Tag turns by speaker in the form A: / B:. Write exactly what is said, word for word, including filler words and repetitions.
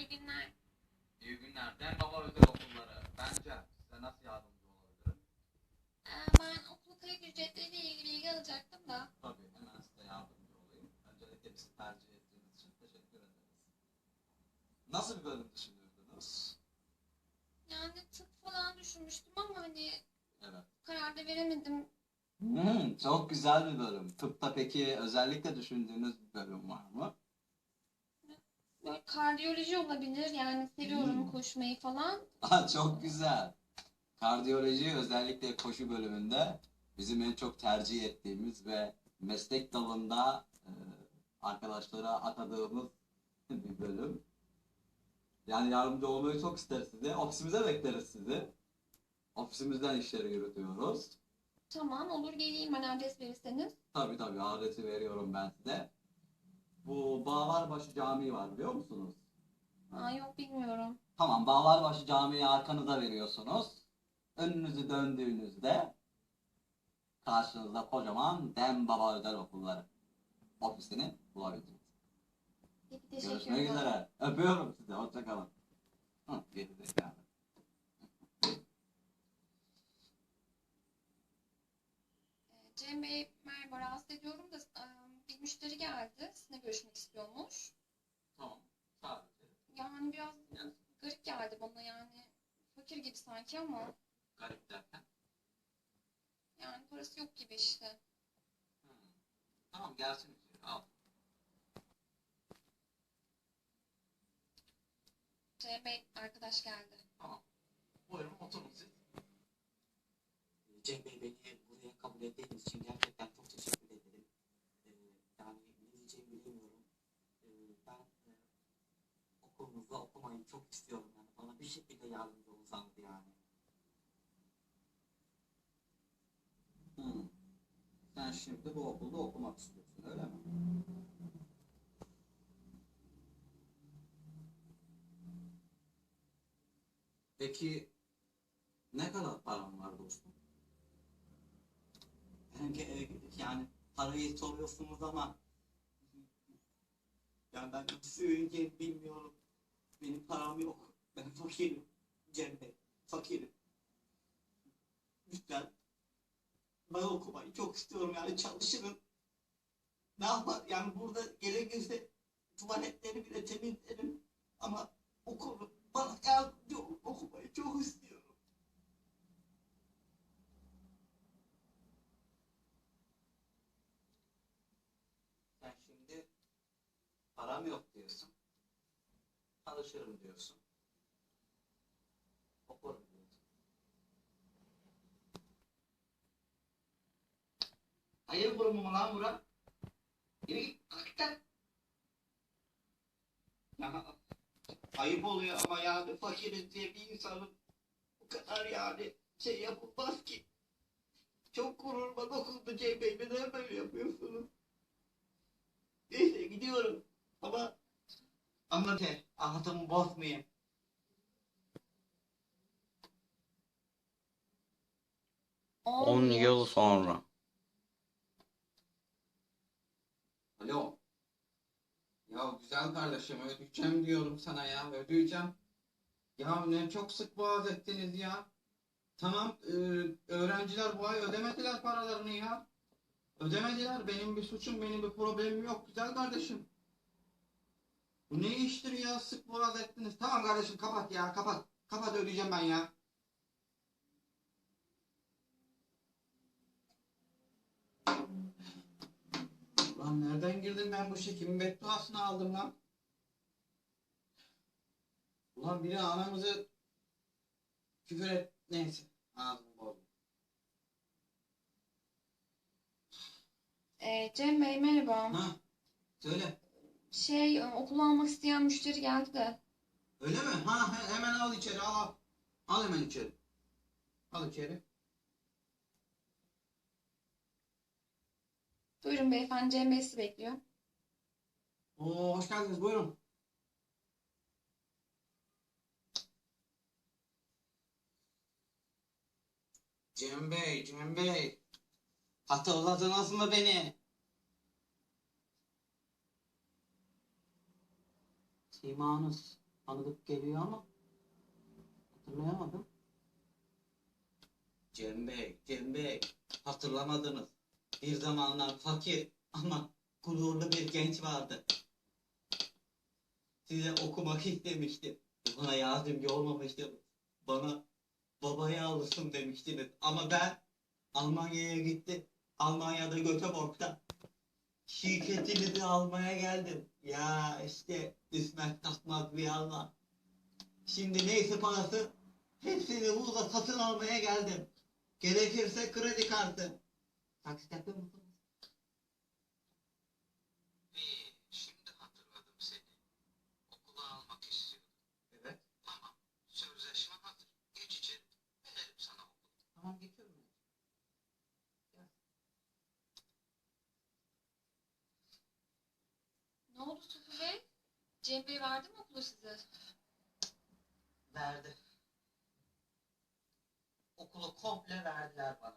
A: günler.
B: İyi günler. Dem Baba Özel Okulları. Bence size nasıl yardımcı olabilirim?
A: Ee, ben okul kayıt ücretleriyle ilgili bilgi alacaktım da.
B: Tabii hemen size yardımcı olayım. Öncelikle bizi tercih ettiğiniz için teşekkür ederiz. Nasıl bir bölüm düşünüyordunuz?
A: Yani tıp falan düşünmüştüm ama hani
B: Evet.
A: karar da veremedim.
B: Hmm, çok güzel bir bölüm. Tıpta peki özellikle düşündüğünüz bir bölüm var mı?
A: Böyle kardiyoloji olabilir yani seviyorum
B: Hmm.
A: koşmayı falan.
B: Aa, çok güzel. Kardiyoloji özellikle koşu bölümünde bizim en çok tercih ettiğimiz ve meslek dalında e, arkadaşlara atadığımız bir bölüm. Yani yardımcı olmayı çok isteriz size. Ofisimize bekleriz sizi. Ofisimizden işleri yürütüyoruz.
A: Tamam olur geleyim ben adres verirseniz.
B: Tabii tabii adresi veriyorum ben size. Bu Bağlarbaşı Camii var biliyor musunuz?
A: Aa, yok bilmiyorum.
B: Tamam, Bağlarbaşı Camii'yi arkanıza veriyorsunuz. Önünüzü döndüğünüzde karşınızda kocaman Dem Baba Özel Okulları ofisini bulabilirsiniz.
A: Peki
B: Görüşmek
A: teşekkürler.
B: üzere. Öpüyorum sizi. Hoşça kalın. Hı, geri zekalı.
A: Ee, Cem Bey merhaba rahatsız ediyorum da e, bir müşteri geldi. Sizinle görüşmek istiyormuş.
B: Tamam. Sadece.
A: Yani biraz
B: Yani,
A: garip geldi bana yani. Fakir gibi sanki ama
B: garip derken.
A: yani parası yok gibi işte.
B: Hı. Tamam gelsin içeri. Al.
A: Cem Bey arkadaş geldi.
B: Tamam. Buyurun oturun siz.
C: Cem Bey beni buraya kabul ettiğiniz için gerçekten çok teşekkür ederim. Ee, yani ne diyeceğimi bilemiyorum. Ee, ben e, okulunuzda okumayı çok istiyorum. Yani bana bir şekilde yardımcı olsanız yani.
B: Hı. Sen şimdi bu okulda okumak istiyorsun öyle mi? Peki ne kadar paran var dostum?
C: Yani, e, yani parayı soruyorsunuz ama yani ben nasıl söyleyeceğimi bilmiyorum. Benim param yok. Ben fakirim. Cem Bey, fakirim. Lütfen ben okumayı çok istiyorum yani çalışırım. Ne yapar yani burada gerekirse tuvaletleri bile temizlerim ama okurum. Bana yardımcı olun, okumayı çok istiyorum.
B: Sen şimdi param yok diyorsun. Çalışırım diyorsun. Okurum diyorsun.
C: Hayır kurumu mu lan bura? Yürü git hakikaten. Ya, ayıp oluyor ama yani fakiriz diye bir insanın bu kadar yani şey yapılmaz ki. Çok gururuma dokundu Cem Bey. Neden böyle yapıyorsunuz? Neyse gidiyorum. Ama anlat he. Anlatımı bozmayayım.
A: on
B: yıl sonra. Alo. Ya güzel kardeşim ödeyeceğim diyorum sana ya ödeyeceğim. Ya ne çok sık boğaz ettiniz ya. Tamam e, öğrenciler bu ay ödemediler paralarını ya. Ödemediler benim bir suçum benim bir problemim yok güzel kardeşim. Bu ne iştir ya sık boğaz ettiniz. Tamam kardeşim kapat ya kapat. Kapat ödeyeceğim ben ya. Lan nereden girdim ben bu işe? Kimin bedduasını aldım lan? Ulan biri anamızı küfür et. Neyse. Ağzımı bozdum.
A: Ee, Cem Bey merhaba.
B: Ha, söyle.
A: Şey e, okulu almak isteyen müşteri geldi de.
B: Öyle mi? Ha, he- hemen al içeri al al. Al hemen içeri. Al içeri.
A: Buyurun beyefendi Cem Bey sizi bekliyor.
B: Oo, hoş geldiniz buyurun. Cem Bey, Cem Bey. Hatırladınız mı beni? Simanız tanıdık geliyor ama hatırlayamadım. Cem Bey, Cem Bey, hatırlamadınız. Bir zamanlar fakir ama gururlu bir genç vardı. Size okumak istemiştim. Bana yardımcı olmamıştım. Bana babaya alışsın demiştiniz. Ama ben Almanya'ya gittim. Almanya'da Göteborg'da şirketinizi almaya geldim. Ya işte İsmet Takmaz bir Allah. Şimdi neyse parası hepsini burada satın almaya geldim. Gerekirse kredi kartı. Taksit yapıyor musunuz?
D: İyi, şimdi hatırladım seni. Okula almak istiyordum.
B: Evet.
D: Tamam, sözleşme hazır. Geç içeri, verelim sana okulu.
B: Tamam geçiyorum.
A: Ne oldu Sufu Bey? Cem Bey verdi mi okulu size?
B: Verdi. Okulu komple verdiler bana.